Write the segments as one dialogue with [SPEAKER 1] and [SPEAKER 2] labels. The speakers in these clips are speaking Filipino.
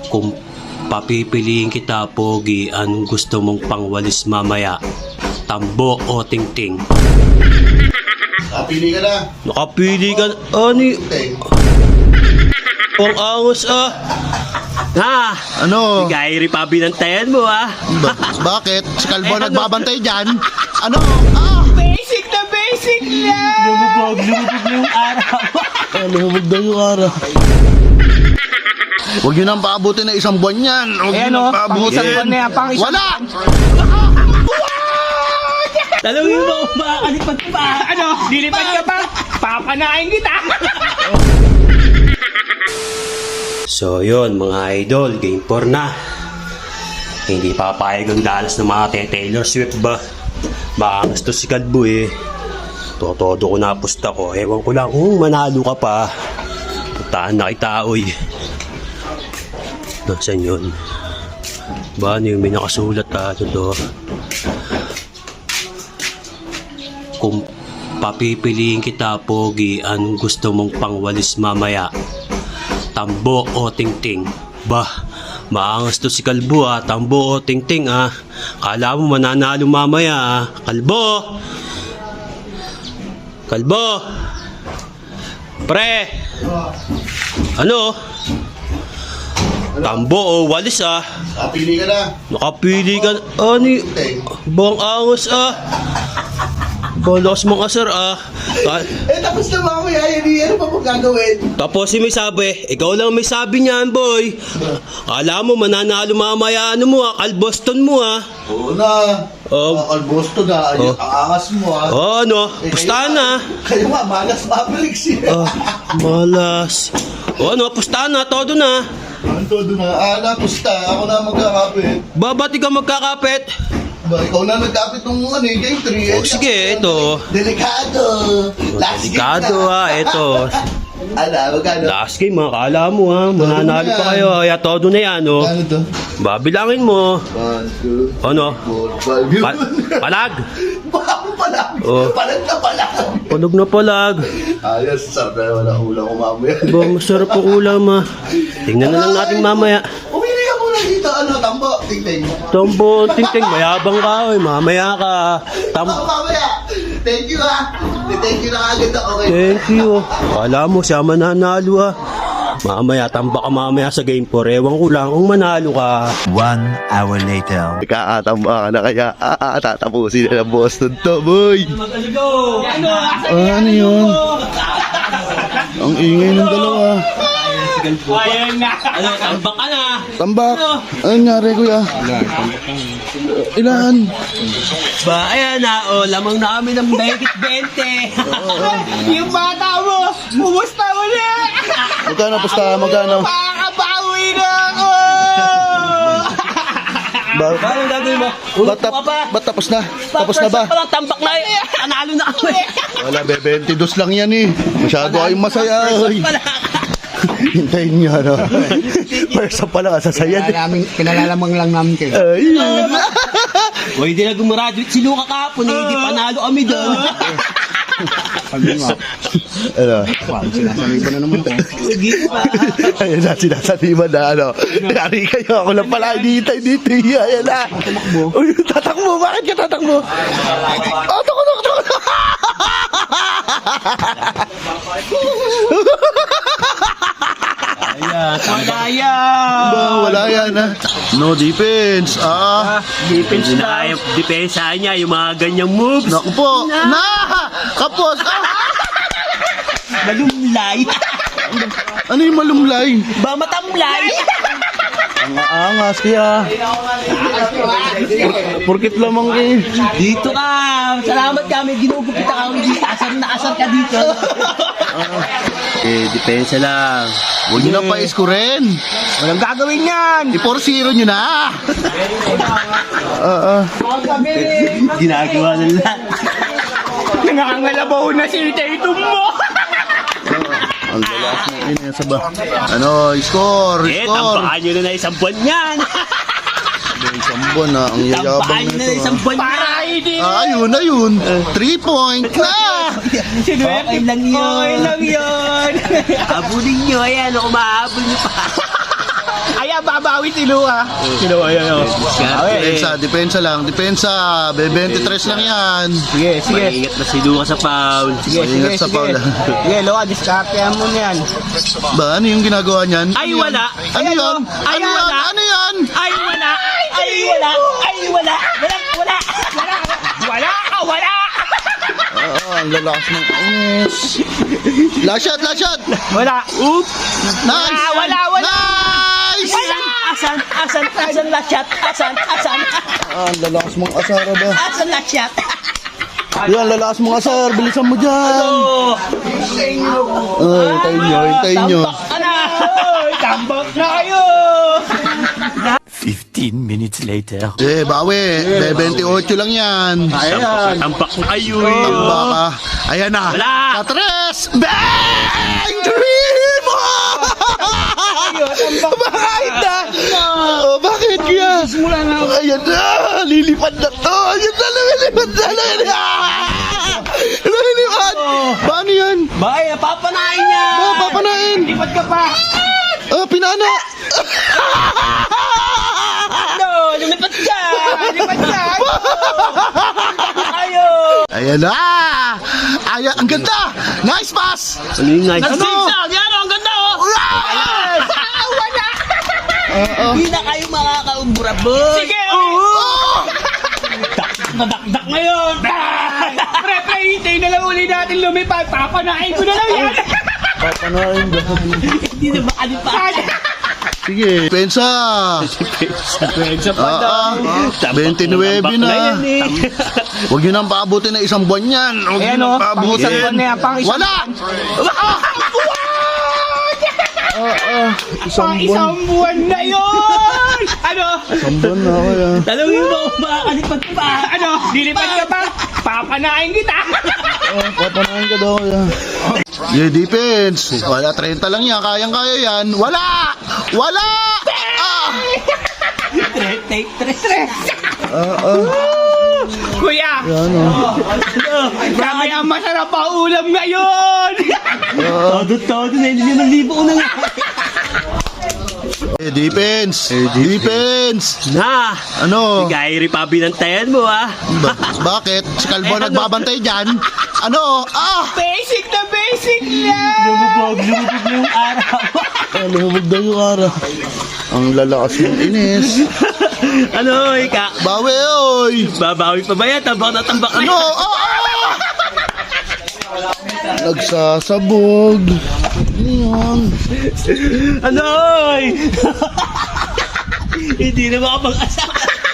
[SPEAKER 1] Kung papipiliin kita, Pogi, anong gusto mong pangwalis mamaya? Tambo o tingting?
[SPEAKER 2] Napili ka na.
[SPEAKER 1] Nakapili ka na. Ani? Ang angas ah. Ha?
[SPEAKER 2] Ano?
[SPEAKER 1] Gairi pa binantayan mo ah.
[SPEAKER 2] Bakit? Si Kalbo
[SPEAKER 1] Eh, ano?
[SPEAKER 2] nagbabantay dyan? Ano?
[SPEAKER 3] Basic na basic lang!
[SPEAKER 1] Lumubog na yung araw.
[SPEAKER 2] Lumubog daw yung araw. Huwag nyo nang paabutin na isang buwan yan. Huwag nyo nang
[SPEAKER 3] pang
[SPEAKER 2] paabutin.
[SPEAKER 3] isang buwan na yan, pang isang
[SPEAKER 2] Wala!
[SPEAKER 1] Talawin mo kung makakalipad pa.
[SPEAKER 3] Ano? Lilipad ka pa? Papanain kita!
[SPEAKER 1] So yun mga idol, game 4 na. Hindi papayag ang dalas ng mga Taylor Swift ba? Baka gusto si Kalbo eh. Totodo ko na pusta ko. Ewan ko lang kung manalo ka pa. Putaan na kita oy. Nasaan yun? Ba ano yung may nakasulat ha? Ito to. Kung papipiliin kita, Pogi, anong gusto mong pangwalis mamaya? Tambo o tingting? Bah, maangas to si Kalbo ah. Tambo o tingting ah. Kala mo mananalo mamaya ah. Kalbo! Kalbo! Pre! Ano? Tambo o walis ah.
[SPEAKER 2] Napili ka na.
[SPEAKER 1] Nakapili ka na. Ani? Bang angas ah. Balas mong asar ah.
[SPEAKER 2] Tapos na mamaya yan. Ano pa po gagawin?
[SPEAKER 1] Tapos si may sabi, ikaw lang may sabi niyan boy. Kala mo mananalo mamaya ano mo ah, Kalboston mo ah.
[SPEAKER 2] Oo na. Kalbosto na. Ang angas mo
[SPEAKER 1] Oh ano, pustahan na.
[SPEAKER 2] Kayo nga, malas mabalik siya.
[SPEAKER 1] Malas. Ano, pustahan na, todo na.
[SPEAKER 2] Ano doon na? Pusta. Ako na magkakapit.
[SPEAKER 1] Babati ka magkakapit.
[SPEAKER 2] Ba, ikaw na nagkapit ng game 3.
[SPEAKER 1] Oh, sige, ito.
[SPEAKER 2] Delikado.
[SPEAKER 1] Delikado ah, ito.
[SPEAKER 2] Magkano?
[SPEAKER 1] Last game ah, kala mo ah, mananalo pa kayo. Kaya todo na yan oh.
[SPEAKER 2] Ano to?
[SPEAKER 1] Babilangin mo.
[SPEAKER 2] 1, 2,
[SPEAKER 1] Ano?
[SPEAKER 2] 4, 5.
[SPEAKER 1] Palag.
[SPEAKER 2] Bakit palag?
[SPEAKER 1] Oh.
[SPEAKER 2] Palag na palag.
[SPEAKER 1] Palag na palag.
[SPEAKER 2] Ayos, sarap na wala ulam ko mamaya.
[SPEAKER 1] Ba, masarap ang ulam ah. Tingnan na lang natin mamaya.
[SPEAKER 2] Umili ka muna dito, tambo, tingting.
[SPEAKER 1] Tombo, tingting, mayabang ka oy. Mamaya ka.
[SPEAKER 2] Mamaya. Thank you Thank you na agad ako.
[SPEAKER 1] Thank you. Kala mo siya mananalo ah. Mamaya, tamba ka mamaya sa game 4. Ewan ko lang kung manalo ka.
[SPEAKER 4] 1 hour later.
[SPEAKER 2] Kakatamba ka na kaya tatapusin na ng Boston to, boy.
[SPEAKER 1] Magaligo! Ano?
[SPEAKER 2] Ano yun? Ang ingay ng dalawa.
[SPEAKER 3] Ayan na!
[SPEAKER 1] Ano, tambak ka na.
[SPEAKER 2] Tambak. Ano nangyari, kuya? Ilan?
[SPEAKER 1] Ba, ayan na. O, lamang na kami ng 20.
[SPEAKER 3] Yung bata mo! Pumusta mo na!
[SPEAKER 2] Magkano pusta? Magkano?
[SPEAKER 3] Makakabawi na ako!
[SPEAKER 1] Paano gagawin mo?
[SPEAKER 2] Ba't tapos na? Tapos na ba?
[SPEAKER 1] First pa lang, tambak na eh. Analo na ako eh.
[SPEAKER 2] Wala, 22 lang yan eh. Masyado kayong masaya. Oy. Hintayin nyo, ano? First up pala kasasaya.
[SPEAKER 3] Pinalalamang lang namin kayo.
[SPEAKER 2] Ayun.
[SPEAKER 1] O, hindi na gumraduate si Luka kahapon eh. Hindi panalo kami doon.
[SPEAKER 2] Ano?
[SPEAKER 3] Sinasaniba na naman ko.
[SPEAKER 2] Ayun na, sinasaniban na, ano? Yari kayo, ako lang pala hinihintay dito. Ayan na. Uy, tatakbo. Bakit ka tatakbo? Oh, takbo. Wala yan, ha? No defense.
[SPEAKER 1] Defense na. Depensa niya, yung mga ganyang moves.
[SPEAKER 2] Naku po. Kapos.
[SPEAKER 1] Malumlay.
[SPEAKER 2] Ano yung malumlay?
[SPEAKER 1] Ba matamlay.
[SPEAKER 2] Ang aangas kaya. Porkit lamang kayo.
[SPEAKER 1] Dito ka. Salamat kami. Ginugupit ka. Asar na asar ka dito. Depensa lang.
[SPEAKER 2] Huwag nyo nang paiskurin.
[SPEAKER 3] Walang gagawin yan!
[SPEAKER 2] I-4-0 nyo na.
[SPEAKER 1] Ginagawa ng lahat.
[SPEAKER 3] Nangangalabaw na si Tatum mo!
[SPEAKER 2] Ang galas mo yun sa ba? Ano, score.
[SPEAKER 1] Tampakan nyo na isang buwan yan.
[SPEAKER 2] Isang buwan na. Ang yayabang
[SPEAKER 1] Tampakan nyo na
[SPEAKER 2] nito.
[SPEAKER 1] isang buwan yan.
[SPEAKER 3] Para hindi!
[SPEAKER 2] Ayun. 3 point na.
[SPEAKER 1] Okay lang yun.
[SPEAKER 3] Okay lang yun!
[SPEAKER 1] Habulin nyo. Ayan, umahabol nyo pa.
[SPEAKER 3] Ayan, babawi si Luka.
[SPEAKER 2] Depensa lang. Depensa. 23 lang yan.
[SPEAKER 3] Sige, sige.
[SPEAKER 1] Maingat na si Luka sa foul.
[SPEAKER 3] Sige, sige,
[SPEAKER 2] Maingat sa
[SPEAKER 3] sige.
[SPEAKER 2] Paula.
[SPEAKER 3] Sige, Luka, diskartehan mo na yan.
[SPEAKER 2] Ba, ano yung ginagawa niyan?
[SPEAKER 1] Ay, wala.
[SPEAKER 2] Ano yan?
[SPEAKER 1] Ay,
[SPEAKER 2] Ano yan?
[SPEAKER 1] wala.
[SPEAKER 2] Ano yan?
[SPEAKER 1] Ay, wala. Ay, wala. Ay, wala. Wala, wala.
[SPEAKER 3] Wala ka, wala!
[SPEAKER 2] Oo, ang lalakas ng ines. Last shot, last shot.
[SPEAKER 3] Wala.
[SPEAKER 1] Oops.
[SPEAKER 2] Nice.
[SPEAKER 3] Wala, wala.
[SPEAKER 2] Nice.
[SPEAKER 1] Asan la chat? Asan?
[SPEAKER 2] Ah, ang lalakas mong asara ba?
[SPEAKER 1] Asan la chat?
[SPEAKER 2] Yan, lalakas mong asar. Bilisan mo dyan.
[SPEAKER 1] Oh.
[SPEAKER 2] Hintayin nyo, hintayin nyo.
[SPEAKER 3] Tambak na kayo!
[SPEAKER 4] 15 minutes later.
[SPEAKER 2] Bawi. 28 lang yan.
[SPEAKER 1] Tampak ko ayoy.
[SPEAKER 2] Baka. Ayan na.
[SPEAKER 1] Wala.
[SPEAKER 2] Sa tres. Bang! Dream! Bakit na? Oh, bakit kaya? Ayan na. Lilipad na to. Ayan na. Lumilipad na. Lumilipad. Paano yan?
[SPEAKER 1] Bakit? Papanain niya.
[SPEAKER 2] Papanain.
[SPEAKER 3] Lipad ka pa!
[SPEAKER 2] Pinana.
[SPEAKER 1] No, lumipad ka.
[SPEAKER 3] Lipad ka!
[SPEAKER 1] Ayo.
[SPEAKER 2] Ayan na. Ayan. Ang ganda. Nice pass.
[SPEAKER 1] Ano yung nice?
[SPEAKER 2] Ano?
[SPEAKER 1] Zigzag. Yan, ang ganda oh.
[SPEAKER 3] Wala!
[SPEAKER 1] Hindi na kayo makakaumbura, boy.
[SPEAKER 3] Sige!
[SPEAKER 2] Oh!
[SPEAKER 1] Nadakdak ngayon.
[SPEAKER 3] Pre, hintayin na lang uli natin lumipad. Papanain ko na lang yan!
[SPEAKER 2] Papanain ba?
[SPEAKER 1] Hindi na makalipat.
[SPEAKER 2] Sige. Pensa.
[SPEAKER 3] Sa
[SPEAKER 2] Ah, 29 na. Huwag nyo nang paabutin na isang buwan yan. Huwag nyo
[SPEAKER 3] Ayan
[SPEAKER 2] nang
[SPEAKER 3] o, pang isang buwan na yan, pang isang
[SPEAKER 2] Wala!
[SPEAKER 3] Pang isang buwan na yun! Ano?
[SPEAKER 2] Isang buwan na ako yan.
[SPEAKER 1] Talungin mo kung makakalipat pa.
[SPEAKER 3] Ano? Dilipad ka pa? Papanain kita!
[SPEAKER 2] Papanain ka daw yan. Yeah, defense. Wala, 30 lang yan. Kayang-kaya yan. Wala! Wala!
[SPEAKER 1] Take tres.
[SPEAKER 3] Kuya!
[SPEAKER 2] Yan o.
[SPEAKER 3] Grabe ang masarap ang ulam ngayon!
[SPEAKER 1] Todo na, hindi naman libo ko na nga.
[SPEAKER 2] Defense. Defense.
[SPEAKER 1] Na,
[SPEAKER 2] Ano?
[SPEAKER 1] Gayri pa binantayan mo ah.
[SPEAKER 2] Bakit? Si Calvo nagbabantay dyan? Ano?
[SPEAKER 3] Basic na basic lang!
[SPEAKER 1] Lumubog na yung araw.
[SPEAKER 2] Lumubog daw yung ara. Ang lalakas ng inis.
[SPEAKER 1] Ano, ika?
[SPEAKER 2] Bawi, oy!
[SPEAKER 1] Babawi pa ba yan? Tambak na tambak na.
[SPEAKER 2] Ano? Nagsasabog. Yan.
[SPEAKER 1] Ano, oy? Hindi na makapag-asa.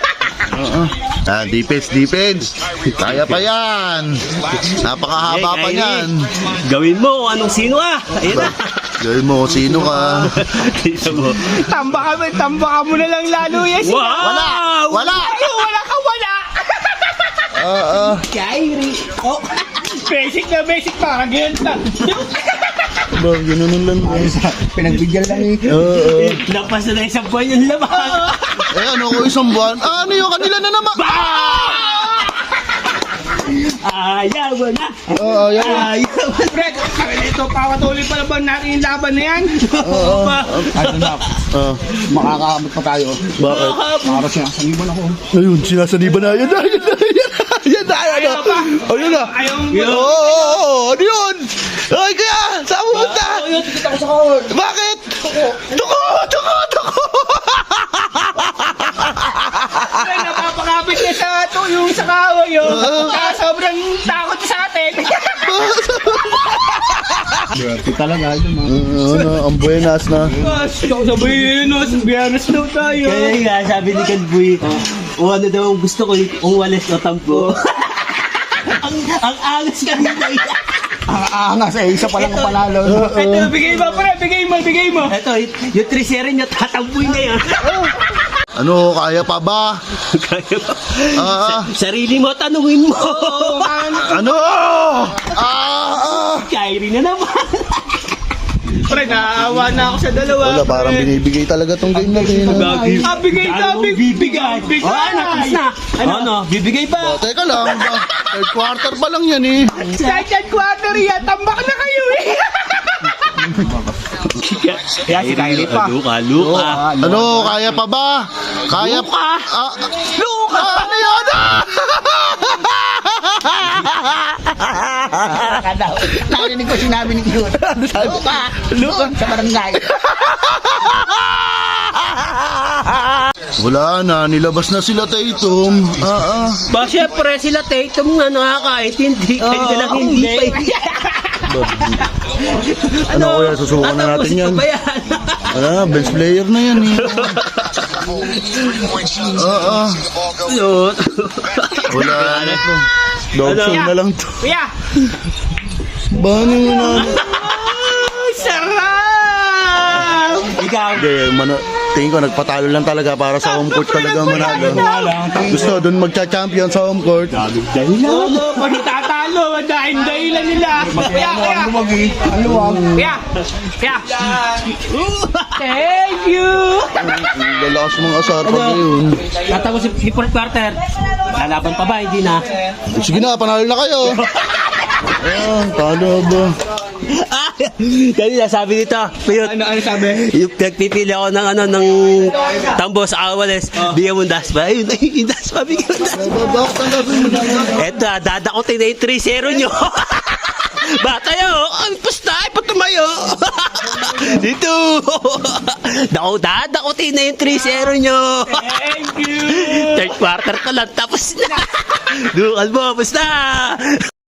[SPEAKER 2] Defense. Kaya pa yan. Napakahaba pa yan.
[SPEAKER 1] Gawin mo kung anong sino ah. Ayun na.
[SPEAKER 2] Gawin mo kung sino ka.
[SPEAKER 1] Tingnan mo.
[SPEAKER 3] Tambakan mo na lang lalo yan siya!
[SPEAKER 1] Wow!
[SPEAKER 2] Wala!
[SPEAKER 3] Ay, wala ka wala!
[SPEAKER 1] Gayri. Oh.
[SPEAKER 3] Basic na basic, parang ganyan na.
[SPEAKER 2] Ba, ganun lang.
[SPEAKER 3] Pinagbigyan lang eh.
[SPEAKER 1] Lapas na isang buwan yung laban.
[SPEAKER 2] Ano ko isang buwan? Ano yung kanila na naman?
[SPEAKER 1] Ayaw mo na.
[SPEAKER 2] Ayaw.
[SPEAKER 1] Ayaw mo na.
[SPEAKER 3] Fred, ito, pawatuloy pa naman natin yung laban na yan. Ano na, makakaabot pa tayo.
[SPEAKER 2] Bakit?
[SPEAKER 3] Para sinasaniban ako.
[SPEAKER 2] Ayun, sinasaniban na. Yan na. Ayun na. Oo, ano yun? Ay, kaya, saan mo punta?
[SPEAKER 3] Kita ko sa kahon.
[SPEAKER 2] Bakit? Tuko!
[SPEAKER 3] Fred, napapakapit niya sa ito, yung sa kahoy yun. Kaya sobrang takot sa atin. Kita lang nga yun,
[SPEAKER 2] Ang buenas na.
[SPEAKER 3] sabihin no, sa biyernes daw tayo.
[SPEAKER 1] Kaya nga, sabi ni Kalboy, o ano daw ang gusto ko, kung walis o tampo. ang angas ka nila.
[SPEAKER 3] Angas eh, isa pa lang ang panalo. Ito, bigay mo, pre, bigay mo.
[SPEAKER 1] Ito, yung 3-0 niya, tatampoy na yan.
[SPEAKER 2] Ano, kaya pa ba?
[SPEAKER 1] Kaya ba?
[SPEAKER 2] Sarili
[SPEAKER 1] mo, tanungin mo.
[SPEAKER 2] Ano?
[SPEAKER 1] Kyrie na naman.
[SPEAKER 3] Pre, naawa na ako sa dalawa.
[SPEAKER 2] Wala, parang binibigay talaga tong game na rin.
[SPEAKER 3] Bigay.
[SPEAKER 1] Oh, ano, tapos na. Ano, bibigay ba?
[SPEAKER 2] Teka lang, third quarter pa lang yan eh.
[SPEAKER 3] Second quarter yan, tambak na kayo eh. Kaya si Kylie pa.
[SPEAKER 1] Luka.
[SPEAKER 2] Ano, kaya pa ba? Kaya pa? Luka! Ano yun?
[SPEAKER 3] Narinig ko sinabi ni Cute. Luka sa barangay.
[SPEAKER 2] Wala na, nilabas na sila Tatum.
[SPEAKER 1] Ba, syempre sila Tatum nga nakakaintindi. Kayo na lang hindi.
[SPEAKER 2] Ano kuya, susukan na natin yan.
[SPEAKER 1] Ba yan?
[SPEAKER 2] Best player na yan eh.
[SPEAKER 1] Yun.
[SPEAKER 2] Wala na to. Dog show na lang to.
[SPEAKER 3] Kuya!
[SPEAKER 2] Bano mo na?
[SPEAKER 3] Ay, sarap! Ikaw.
[SPEAKER 2] Hindi, tingin ko nagpatalo lang talaga para sa home court talaga manalo. Gusto doon magcha-champion sa home court.
[SPEAKER 3] Oo, pag itatalo, dahilan nila. Kuya! Thank you!
[SPEAKER 2] Lalakas mga asar pa ngayon.
[SPEAKER 1] Tatapos si fourth quarter. Lalaban pa ba? Hindi na.
[SPEAKER 2] Sige na, panalo na kayo. Talo ba?
[SPEAKER 1] Kanina sabi nito, Piyot,
[SPEAKER 3] Ano sabi?
[SPEAKER 1] yung nagpipili ako ng tambo sa Awales, bigyan mo daspa. Ayun, yung daspa, bigyan mo daspa. Eto, dadakotin na yung 3-0 nyo. Bata yun, ang pusta, ipatumayo. Dito. Dadakotin na yung 3-0 nyo.
[SPEAKER 3] Thank you!
[SPEAKER 1] Third quarter ko lang, tapos na. Dukal mo, pusta.